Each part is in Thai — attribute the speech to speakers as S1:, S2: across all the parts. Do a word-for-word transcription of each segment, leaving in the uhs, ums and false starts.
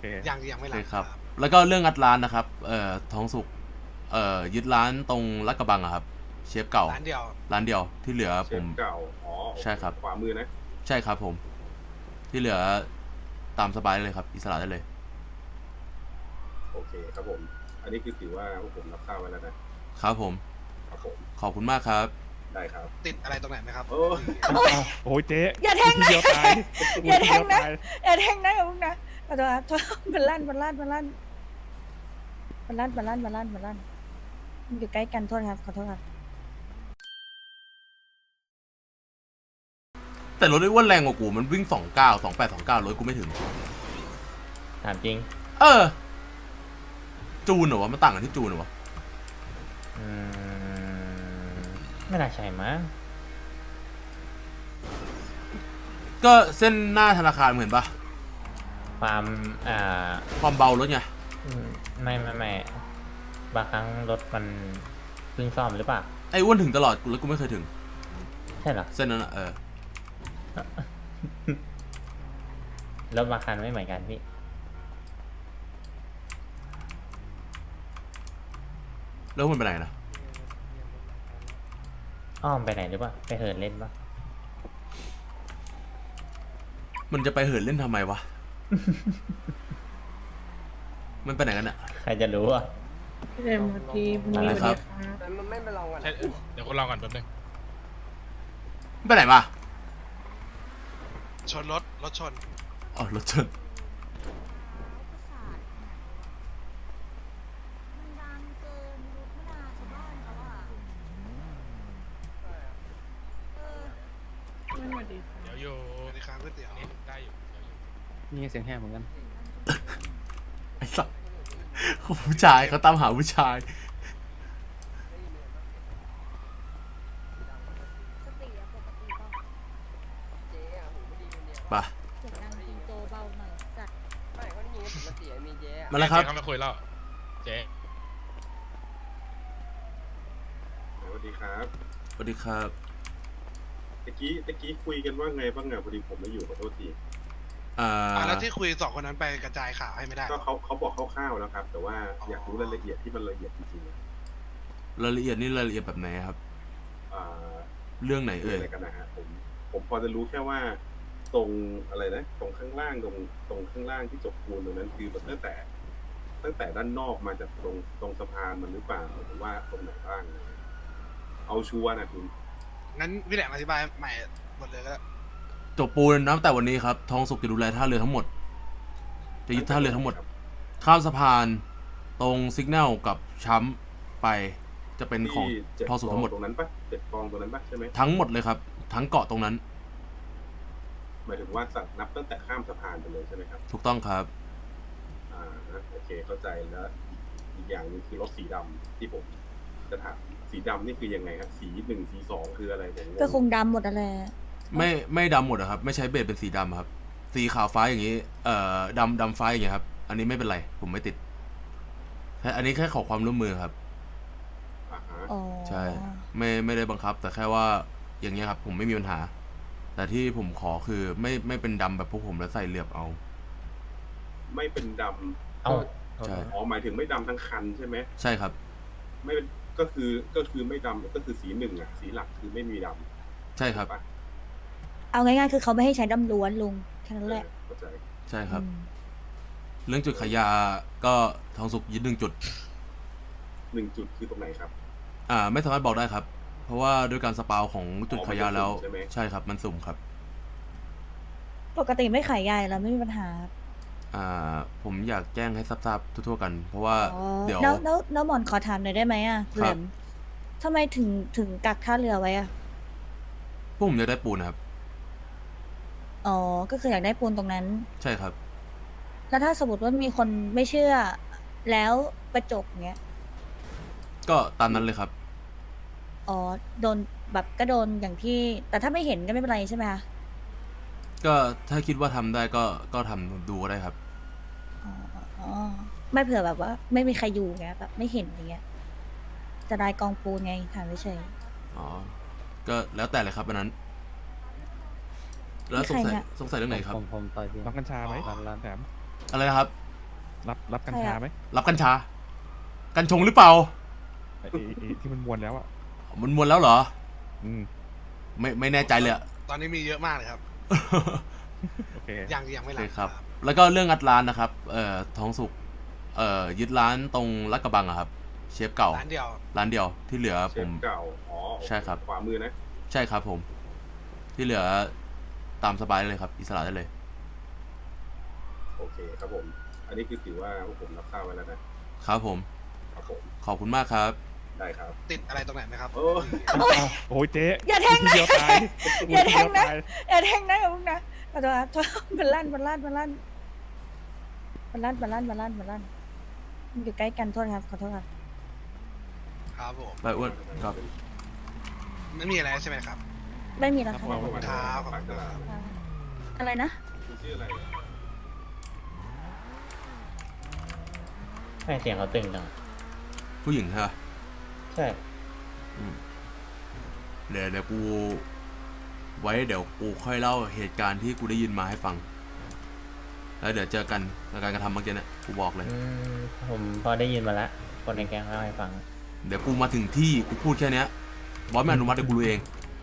S1: เค
S2: ยังยังไม่
S3: โอ
S2: รั
S3: เค
S2: บ
S3: ครับ แล้วก็เรื่องงัดร้านนะครับ เอ่อทองสุกเอ่อยึดร้านตรงลาดกระบังอะครับเชฟเก่า
S2: ร้านเดียว
S3: ร้านเดียวที่เหลือ
S4: เช
S3: ผม
S4: ฟเก่าอ๋อโอเ
S3: ใช่ครับ
S4: ขวามือนะ
S3: ใช่ครับผม ที่เหลือตามสบายเลยครับอิสระได้เลย
S4: โอเคครับผม อันนี้คือถือว่าพวกผมรับทราบไว้แล้วนะครับ
S3: ผม
S4: ครับผม
S3: ขอบคุณมากครับ
S4: ได้ครับ
S2: ติดอะไรตรงไหนไหมครับ
S4: โอ้
S1: โอ้ยเจ๊
S5: อย่าแทงนะ
S1: เดียวตาย
S5: อย่าแทงนะ
S1: เดียวตาย
S5: อย่าแทงนะอย่าพึ่งนะขอโทษครับโทษมันลั่นมันลั่นมันลั่นมันลั่นมันลั่นมันลั่นมันลั่นมันอยู่ใกล้กันโทษครับขอโทษครับ
S3: แต่รถไอ้อ้วนแรงกว่ากูมันวิ่งสองเก้าสองแปดสองเก้ารถกูไม่ถึง
S6: ถามจริง
S3: เออ จูนเหรอวะมันต่างกันที่จูนเหรอวะ
S6: อืมไม่น่าใช่มั้ง
S3: ก็เส้นหน้าธนาคารเหมือนปะ
S6: ความอ่า
S3: ความเบารถไง
S6: อืมไม่ไม่ไม่บางครั้งรถมันเพิ่งซ่อมหรือเปล่า
S3: ไอ้อ้วนถึงตลอดกูแล้วกูไม่เคยถึง
S6: ใช่เหรอ
S3: เส้นนั้นอะเออ
S6: รถบางคันไม่เหมือนกันพี่
S3: แล้วมันไปไหนนะ
S6: อ้อมไปไหนหรือเปล่าไปเหินเล่นปะ
S3: มันจะไปเหินเล่นทำไมวะ มันไปไหนกันอะ
S6: ใครจะรู้อ่ะ
S5: เดี๋ยวมาทีพรุ่งนี้
S3: อะไรครับ
S7: มันไม่มาลองกัน
S8: ใช่เดี๋ยวคุณลองก่อนแป๊บนึง
S3: มันไปไหนมา
S2: ชนรถรถชน
S3: อ๋อรถชน
S8: เดี๋ยวอยู่
S2: สวัสดีครับก๋วยเตี๋ยว
S8: อันนี้ได้อยู่เดี๋ยวอยู่
S1: นี่เสียงแหบเหมือนกัน
S3: ไอ้สัสผู้ชายเขาตามหาผู้ชาย
S5: สติอะปกติป่ะ
S7: เจ๊อะหูไม่ดีคนเดียว
S3: ป่ะ
S5: เสียงดังจริงโตเบาหน่อยจัด
S7: ไม่ก็ได้ยินปกติอะมีเจ๊อะ
S3: มาแล้วครับ
S8: เจ๊เขามาคุยแล้วเจ๊
S4: สวัสดีครับ
S3: สวัสดีครับ
S4: ตะกี้ตะกี้คุยกันว่าไงบ้างอะพอดีผมไม่อยู่ขอโทษที
S3: อ่า
S2: อ่ะแล้วที่คุยสองคนนั้นไปกระจายข่าวให้ไม่ได้
S4: ก็เขาเขาบอกคร่าวๆแล้วครับ แต่ว่าอยากรู้รายละเอียดที่มันละเอียดจริงๆอะ
S3: รายละเอียดนี่รายละเอียดแบบไหนครับ
S4: อ่า
S3: เรื่องไหน
S4: เอ่ย
S3: เอ่ย
S4: อะไรกันนะฮะผมผมพอจะรู้แค่ว่า ตรงอะไรนะ ตรงข้างล่างตรงตรงข้างล่างที่จบปูนตรงนั้นคือมันตั้งแต่ ตั้งแต่ด้านนอกมาจากตรงตรงสะพานมันหรือเปล่าหรือว่าตรงไหนบ้าง เอาชัวร์นะคุณ
S2: งั้นพี่แหลมอธิบายใหม่หมดเลยก็ได้
S3: จบปูนนับแต่วันนี้ครับ ทองสุกจะดูแลท่าเรือทั้งหมด จะยึดท่าเรือทั้งหมด ข้ามสะพาน ตรงซิกแนลกับช้ำไป จะเป็นของ
S4: ที่เจ็ด
S3: ทองสุกทั้งหมด
S4: กองตรงนั้นปะเจ็ดกองตรงนั้นปะใช่ไหม
S3: ทั้งหมดเลยครับ ทั้งเกาะตรงนั้น
S4: หมายถึงว่าสักนับตั้งแต่ข้ามสะพานไปเลยใช่ไหมครับ
S3: ถูกต้องครับ
S4: อ่าโอเคเข้าใจแล้วอีกอย่างหนึงคือรถสีดำที่ผมจะถามสีดำนี่คือยังไงครับสีหนึ่งสีสองคืออะไรผมงง
S5: ก็คงดำหมดอะไร
S3: ไม่ไม่ดำหมดอะครับ ไม่ใช้เบสเป็นสีดำครับ สีขาวฟ้าอย่างนี้ เอ่อดำดำฟ้าอย่างเงี้ยครับ อันนี้ไม่เป็นไร ผมไม่ติดแค่อันนี้แค่ขอความร่วมมือครับ
S4: อ่าฮะ
S5: อ๋อ
S3: ใช่ ไม่ไม่ได้บังคับ แต่แค่ว่าอย่างเงี้ยครับ ผมไม่มีปัญหา แต่ที่ผมขอคือไม่ไม่เป็นดำแบบพวกผมแล้วใส่เหลือบเอา
S4: ไม่เป็นดำ
S6: เอ้า
S3: ใช่
S4: อ๋อหมายถึงไม่ดำทั้งคันใช่ไหม
S3: ใช่ครับ
S4: ไม่เป็นก็คือก็คือไม่ดำก็คือสีหนึ่งอ่ะสีหลักคือไม่มีดำ
S3: ใช่ครับ
S4: ปะ
S5: เอาง่ายๆคือเขาไม่ให้ใช้ดำล้วนลุงแค่นั้นแหละ
S4: เออเข้าใจ
S3: ใช่ครับ
S5: อืม
S3: เรื่องจุดขายยาก็ทองสุกยึดหนึ่งจุด
S4: หนึ่งจุดคือตรงไหนครับ
S3: อ่า ไม่สามารถบอกได้ครับ เพราะว่าด้วยการสปาวของจุดขายยาแล้ว
S4: อ๋อมันจะสุ่มใช่ไหม
S3: ใช่ครับ มันสุ่มครับ
S5: ปกติไม่ขายใหญ่แล้วไม่มีปัญหา
S3: อ่า ผมอยากแจ้งให้ทราบๆทั่วๆกัน เพราะว่า
S5: อ๋อ
S3: เดี๋ยว
S5: แล้วแล้วแล้วหมอนขอถามหน่อยได้ไหมอ่ะ
S3: ครับ
S5: แหลมทำไมถึงถึงกักท่าเรือไว้อ่ะ
S3: พวกผมจะได้ปูนนะครับ
S5: อ๋อ ก็คืออยากได้ปูนตรงนั้น
S3: ใช่ครับ
S5: แล้วถ้าสมมติว่ามีคนไม่เชื่อ แล้วประจบเงี้ย
S3: ก็ตามนั้นเลยครับ
S5: อ๋อ โดนแบบก็โดนอย่างที่ แต่ถ้าไม่เห็นก็ไม่เป็นไรใช่ไหมคะ
S3: ก็ถ้าคิดว่าทำได้ก็ก็ทำดูก็ได้ครับ
S5: อ๋ออ๋อ ไม่เผื่อแบบว่า ไม่มีใครอยู่เงี้ยแบบไม่เห็นอย่างเงี้ย จะได้กองปูนไงถามเฉย
S3: อ๋อ ก็แล้วแต่เลยครับอันนั้น แล้วสงสัย
S5: มีใครเนี่ย
S3: สงสัยเรื่องไหนครับ
S6: ผมผมต่อยพี่
S1: ร้องกัญชาไหม
S8: อ๋อ
S1: ร้านแถม
S3: อะไรนะครับ
S1: รับรับกัญชาไหม
S3: รับกัญชา กัญชงหรือเปล่า
S1: ไอ้ไอ้ไอ้ที่มันมวนแล้วอ่ะ
S3: มันมวนแล้วเหรอ
S1: อืม
S3: ไม่ไม่แน่ใจเลยอะ
S2: ตอนนี้มีเยอะมากเลยครับ
S1: โอเค
S2: ยังยังไม่
S3: โอ
S2: หลั
S3: เค
S2: บ
S3: ครับ แล้วก็เรื่องงัดร้านนะครับ เอ่อท้องสุก เอ่อยึดร้านตรงลาดกระบังอะครับ เชฟเก่า
S2: ร้านเดียว
S3: ร้านเดียวที่เหลือ
S4: เช
S3: ผ
S4: ฟ
S3: ม
S4: เก่าอ๋อ
S3: ใช่ครับ
S4: ขวามือนะ
S3: ใช่ครับผม ที่เหลือตามสบายเลยครับ อิสระได้เลย
S4: โอเคครับผม อันนี้คือถือว่าพวกผมรับทราบไว้แล้วนะครับ
S3: ผม
S4: ครับผม
S3: ขอบคุณมากครับ
S4: ได้ครับ
S2: ติดอะไรตรงไหนไหมครับ
S4: โอ้
S1: โอ้ยเจ๊
S5: อย่าแทง
S1: ที
S5: นะ
S1: เดียวตาย
S5: อย่าแทงนะ
S1: ทีเดียวตาย
S5: อย่าแทงนะอย่าพึ่งนะขอโทษครับโทษมันลั่นมันลั่นมันลั่นมันลั่นมันลั่นมันลั่นมันลั่นมันอยู่ใกล้กันโทษครับขอโทษครับ
S2: ครับผม
S3: ไปอ้วนครับ
S2: ไม่มีอะไรใช่ไหมครับ
S5: ไม่มีแล้วค
S4: ข
S5: รั
S4: อ
S5: บบ
S4: คุณ
S2: ครับ
S4: ฝากตลาด
S5: อะไรนะ
S4: คุณชื่ออะไร
S6: ไม่เสียงเขาตึงจัง
S3: ผู้หญิงใช่ปะ
S6: ใช่
S3: เดี๋ยวเดี๋ยวกู ไว้เดี๋ยวกูค่อยเล่าเหตุการณ์ที่กูได้ยินมาให้ฟัง แล้วเดี๋ยวเจอกันในการกระทำเมื่อกี้เนี่ยกูบอกเลย
S6: อืมผมพอได้ยินมาแล้วคนในแก๊งเล่าให้ฟัง
S3: เดี๋ยวกูมาถึงที่กูพูดแค่เนี้ยบอสไม่อนุมัติเดี๋ยวกูรู้เอง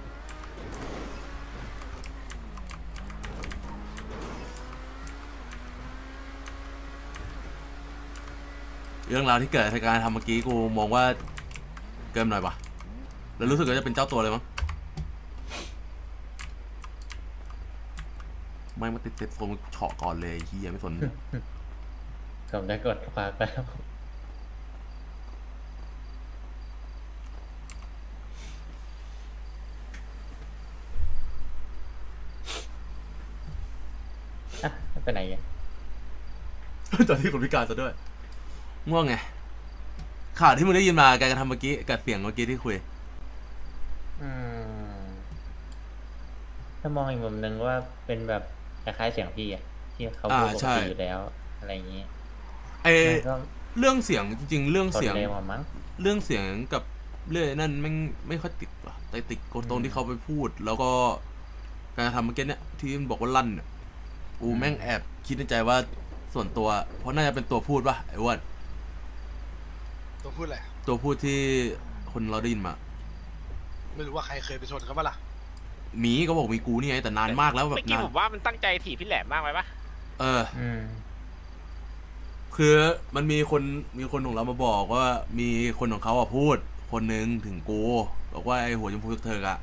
S3: เรื่องราวที่เกิดจากการทำเมื่อกี้กูมองว่าเกินหน่อยปะแล้วรู้สึกว่าจะเป็นเจ้าตัวเลยมั้งไม่มาติดเต็มโฟมเฉาะก่อนเลยไอ้เฮียไม่สน
S6: ผมได้กดฝากแล้วอ่ะไม่เป็นไรอ่ะ
S3: ตอนที่คนพิการซะด้วยง่วงไงข่าวที่มึงได้ยินมาการกระทำเมื่อกี้กับเสียงเมื่อกี้ที่คุย
S6: อืมถ้ามองอีกมุมหนึ่งว่าเป็นแบบคล้ายๆเสียงพี่อ่ะที่เขาพูดปกติอยู่แล้ว อะไรอย่างนี้
S3: ไอ
S6: มันก็
S3: เรื่องเสียงจริงๆ เรื่อง
S6: กด
S3: เสียง
S6: เร็วอะมั้ง
S3: เรื่องเสียงกับเรื่องนั่นไม่ไม่ค่อยติดว่ะแต่ติดตรงที่เขาไปพูด แล้วก็การกระทำเมื่อกี้เนี่ยที่มันบอกว่าลั่นเนี่ยกูแม่งแอบคิดในใจว่าส่วนตัว เพราะน่าจะเป็นตัวพูดป่ะไอ้อ้วน
S2: ตัวพูดอะไร
S3: ตัวพูดที่คนเราได้ยินมา
S2: ไม่รู้ว่าใครเคยไปชนเขาปะล่ะ
S3: หมีก็บอกมีกูนี่ไงแต่นานมากแล้วแบบ
S9: เมื่อกี้
S3: นาน
S9: ผมว่ามันตั้งใจถีบพี่แหลมมากไปปะ
S3: เออ
S6: อืม
S3: คือมันมีคนมีคนของเรามาบอกว่ามีคนของเขาอ่ะพูด คนหนึ่งถึงกูบอกว่าไอ้หัวชมพูเธออะ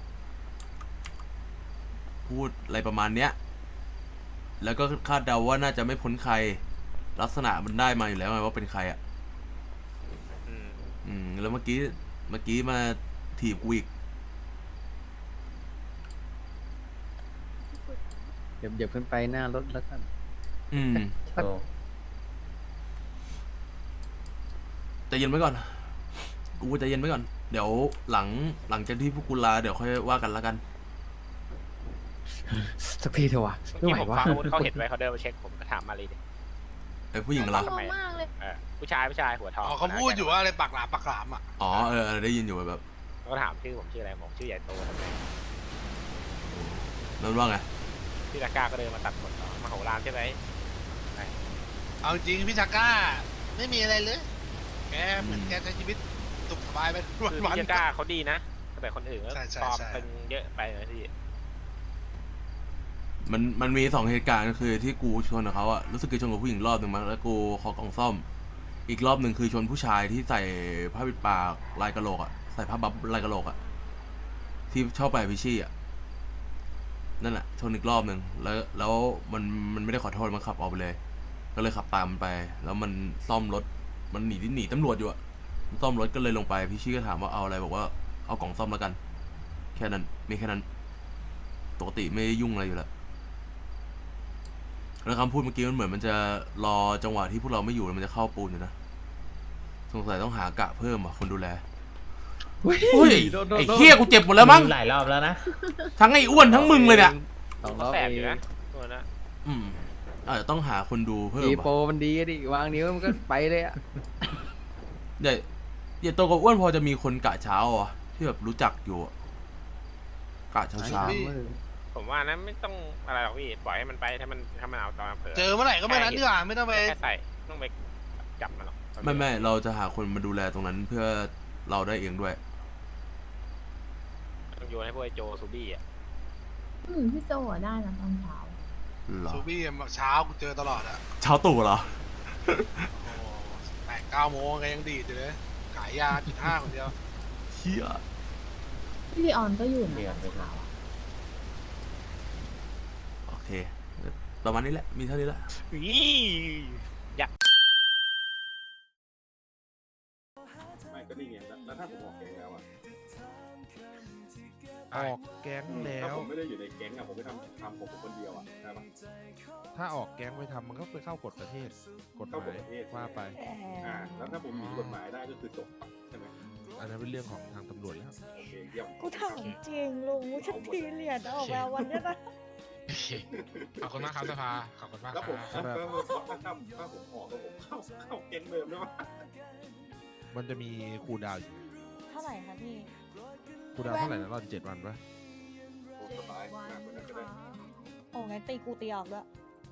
S3: พูดอะไรประมาณเนี้ย แล้วก็คาดเดาว่าน่าจะไม่พ้นใคร ลักษณะมันได้มาอยู่แล้วไงว่าเป็นใครอ่ะ
S9: อืม
S3: อืมแล้วเมื่อกี้เมื่อกี้มาถีบกูอีก
S1: เดี๋ยวเดี๋ยวขึ้นไปหน้ารถแล้วกัน
S3: อืม
S6: โชว์
S3: ใจเย็นไว้ก่อน กูใจเย็นไว้ก่อน เดี๋ยวหลังหลังจากที่พวกกูลาเดี๋ยวค่อยว่ากันละกัน
S1: สักทีเถอะวะ
S9: เมื่อ
S1: ไม่
S9: กี้
S1: ไหว
S9: ผม
S1: วะ
S9: ฟังอาวุธเขาเห็นไว้เขาเดินมาเช็คผมก็ถามมาเลยดิ
S3: ไอ้ผู้หญิงเหรอ
S9: ทำไมเออผู้ชายผู้ชายหัวทอง
S2: อ๋อเขาพูดอยู่ว่าอะไรปากหลามปากหลามอ่ะ
S3: อ๋อเออเออได้ยินอยู่แบบ
S9: เขาก็ถามชื่อผมชื่ออะไรผมชื่อใหญ่โตทำไม
S3: นั่นว่าไง
S9: พี่ตะกร้าก็เดินมาตัดขนต่อมาโหรามใช่ไหม
S2: เอาจริงพี่ชาก้า ไม่มีอะไรเลย แกเหมือนแกใช้ชีวิตสุขสบายไปวัน
S9: คือ
S2: วัน
S9: พี่ตะกร้าเขาดีนะแต่คนอื่นก็
S2: ใช่ใช่
S9: ปลอม
S2: ใช่
S9: เป็นเยอะไปนะพี่
S3: มันมันมีสองเหตุการณ์คือที่กูชนกับเขาอะรู้สึกกูชนกับผู้หญิงรอบหนึ่งมั้งแล้วกูขอกล่องซ่อม อีกรอบหนึ่งคือชนผู้ชายที่ใส่ผ้าปิดปากลายกระโหลกอะใส่ผ้าบับลายกระโหลกอะที่ชอบไปพิชี่อะนั่นแหละชนอีกรอบหนึ่งแล้วแล้วมันมันไม่ได้ขอโทษมันขับออกไปเลย ก็เลยขับตามมันไป แล้วมันซ่อมรถมันหนีที่หนีตำรวจอยู่อะมันซ่อมรถก็เลยลงไปพิชี่ก็ถามว่าเอาอะไรบอกว่าเอากล่องซ่อมแล้วกัน แค่นั้นมีแค่นั้นปกติไม่ยุ่งอะไรอยู่แล้วแล้วคำพูดเมื่อกี้มันเหมือนมันจะรอจังหวะที่พวกเราไม่อยู่แล้วมันจะเข้าปูนอยู่นะสงสัยต้องหากะเพิ่มอ่ะคนดูแลเฮ้ยไอ้เหี้ยกูเจ็บหมดแล้วมั้ง
S6: หลายรอบแล้วนะ
S3: ทั้งไอ้อ้วนทั้งมึงเลยเนี่ย
S1: สองร
S9: ก็
S1: อบ
S9: แส
S1: เอบ
S9: อยู่
S1: ง
S9: นะตัวนั้น
S3: อืมอาจจะต้องหาคนดูเพิ่ม
S1: อีโป
S3: อ่ะ
S1: มันดีอะดิ วางนิ้วมันก็ไปเลยอ่ะ
S3: ใหญ่ใหญ่โตกับอ้วนพอจะมีคนกะเช้าอ่ะที่แบบรู้จักอยู่อะกะเช้าเช้า
S9: ผมว่านะไม่ต้องอะไรหรอกพี่ปล่อยให้มันไปถ้ามันถ้ามันเอาตอนเผลอ
S2: เจอเมื่อไหร่ก็เมื่อนั้นดีกว่าไม่ต้องไป
S9: แค่ใส่ต้องไปจับมันหรอก
S3: ไม่ไม่เราจะหาคนมาดูแลตรงนั้นเพื่อเราได้เองด้วย
S9: ต้องโยนให้พวกไอ้โจซูบี้อ่ะ
S10: อืมพี่โจอะได้นะตอนเช้า
S3: เหรอ
S2: ซูบี้เช้ากูเจอตลอดอะ
S3: เช้าตู่เหรอ
S2: โอ้แปดเก้าโมงก็ยังดีดอยู่เลย ขายยาจุดห้าคนเดียว
S3: เฮีย
S10: พี่ลีออนก็อยู่นะ
S6: เดือน
S10: ต
S6: ไป
S10: อน
S6: แล้
S10: เช้าว อะ
S3: โอเค ประมาณนี้แหละ มีเท่านี้แหละ
S4: ไม่ก็นี่ไงแล้วแล้วถ้าผมออกแก๊งแล้วอ่ะ
S8: ออกแก๊งแล้
S4: ถ้าว ผมไม่ได้อยู่ในแก๊งอ่ะผมไม่ทำทำผมคนเดียวอ่ะได้ปะ
S8: ถ้าออกแก๊งไปทำมันก็ไปเข้ากฎประเทศ กฎห
S4: เข้ากฎ
S8: มาย
S4: ประเทศ
S8: ว่าไป
S4: อ่าแล้วถ้าผมหนีกฎหมายได้ก็คือจบใช่ไหม
S8: อันนั้นเป็นเรื่องของทางตำรวจแล้ว
S4: โอเคเยี่ยม
S5: กูถามจริงลุงฉันทีเหรียญออกมาวันเนี้ยนะ
S8: โอเค ขอบคุณมากครับสภา ขอบคุณมากค
S4: แล้วผม
S8: รับ
S4: ถ้าถ้าถ้าถ้าผมออกก็ผมเข้าเข้าแก๊งเดิมได้ปะ
S8: มันจะมีคูลดาวน์อยู่
S5: เท่าไหร่คะพี่
S8: คูลดาวน์เท่าไหร่นะรอนเจ็ดวันปะ
S4: โอ้สบายมากกว่านั้นก็ได้
S5: โอ้งั้นตีกูตีออกด้วย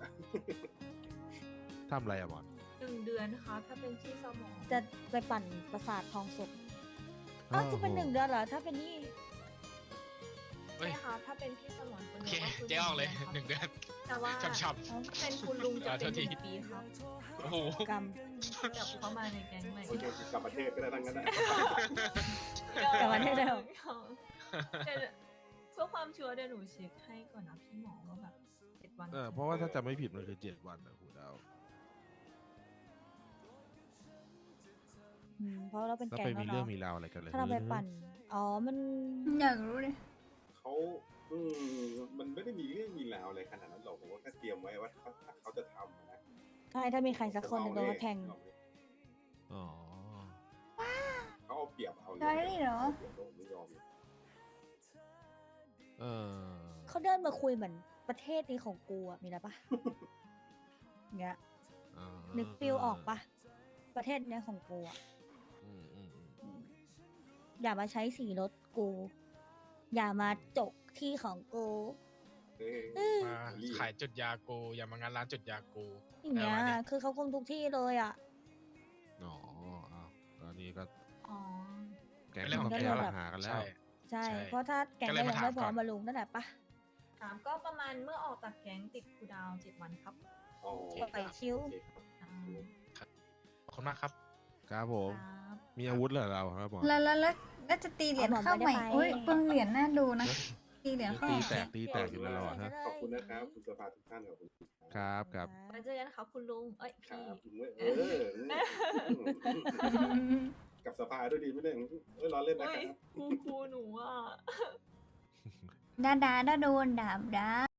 S8: ทำอะไรอะบอล
S10: หนึ่งเดือนนะคะถ้าเป็นที่สมอง
S5: จะไปปั่นประสาททองสุกอ้าวจะเป็นหนึ่งเดือนเหรอ ถ้าเป็นนี่
S8: เฮ้ย
S10: ใช่ค่ะถ้าเป็นพี่สมองคน
S8: โอ
S10: เดี
S8: เค
S10: ยวก็คือ
S8: เจ๊ออกเลย
S10: ครับ
S8: หนึ่งเดือน
S10: แต่ว่า
S8: ช้ำ
S10: ถ้าเป็นคุณลุงจะ
S8: อ่า
S10: เป็น
S8: โทษที
S10: หนึ่งปีครับ
S8: ๆ โอ้โห
S5: กรรม
S10: กลับเข้ามาในแก๊งใหม่
S4: โอเคกลับประเทศก็ได้ทั้งนั้นนะ
S5: กลับมาได้แล้ว
S10: เดี๋ยวเพื่อความชัวร์เดี๋ยวหนูเช็คให้ก่อนนะพี่หมอว่าแบบเจ็ดวัน
S8: เออ เพราะว่าถ้าจำไม่ผิดมันคือเจ็ดวันนะคูลดาวน์
S5: อืมเพราะเราเป็น
S8: แล้ว
S5: แก๊
S8: ไป
S5: ง
S8: มี
S5: แล้ว
S8: เรื่อง
S5: เนาะ
S8: มีราวอะไรกันเลย
S5: ถ้าเราไปปั่น อ๋อ มัน
S10: อยากรู้เลย
S4: เขาอืมมันไม่ได้มีเรื่องมีราวอะไรขนาดนั้นหรอกผมว่าแค่เตรียมไว้ว่าถ้าเขาจะทำนะ
S5: ใช่ถ้ามีใครสักคนหนึ่งโดนเขาแทง
S8: อ๋อ
S4: เขาเอาเปรียบเอา
S10: ได้เหรอ
S4: เปรียบโลกไม่ยอม
S8: เออ
S5: เขาเดินมาคุยเหมือนประเทศนี้ของกูอะมีอะไรปะ เงี้ย
S8: อ่า
S5: นึกฟิลออกปะประเทศเนี้ยของกูอะ
S8: อืมอืมอืม
S5: อืมอย่ามาใช้สีรถกู อย่ามาจกที่ของกู
S4: เอ้ย
S5: เออ
S8: มาขายจุดยากู อย่ามางานร้านจุดยากู
S5: อย่างเงี้ย
S8: อะไรวะเนี่ย
S5: คือเขาคงทุกที่เลยอะ
S8: อ๋ออ้าวตอนนี้ก็
S10: อ๋อ
S8: แก๊ง
S5: เป็นเรื่อง
S8: ต้อง
S5: ของ
S8: แก้
S5: แก๊ง
S8: ปัญหากันแล้ว
S5: ใช่
S8: ใช่
S5: เพราะถ้าแก๊ง
S8: ก็เล
S5: ก็
S8: ย
S5: ยั
S8: มาง ถาม
S5: ไม่พร้อม
S8: ก่อน
S5: มาลุงนั่นแหละปะ
S10: ถามก็ประมาณเมื่อออกจากแก๊งติดคูลดาวน์เจ็ดวันครับ
S4: อ๋อ
S5: ปล่อยชิว
S4: โอเคครับ
S10: อ่า
S8: ขอบคุณมากครับ ครับผม
S5: ครับ
S8: มีอาวุธเหรอเราครับหมอ
S10: แล้วแล้วแล้วแล้วจะตีเหรียญเข้าใหม่
S5: เอาหมอนไปได้ไป
S10: โอ้ยเพิ่งเหรียญน่าดูนะ ตีเหรียญเข้า
S8: ตี
S10: ใหม่
S8: แตกตีแตกอยู่แล้วเราอะฮะ
S4: ขอบคุณนะครับคุณสภาทุกท่านขอบคุณ
S8: ครับครับ
S10: แล้วเจอกันครับคุณลุง เอ้ย
S4: ครั
S10: พี่
S4: บเออกับสภาด้วยดีไม่ได้เออล้อเล่นนะ
S10: โอ้
S4: ค
S10: ย
S4: รับ
S10: ครูครูหนูอ่ะ
S11: ดาดาดาโดนดาบดา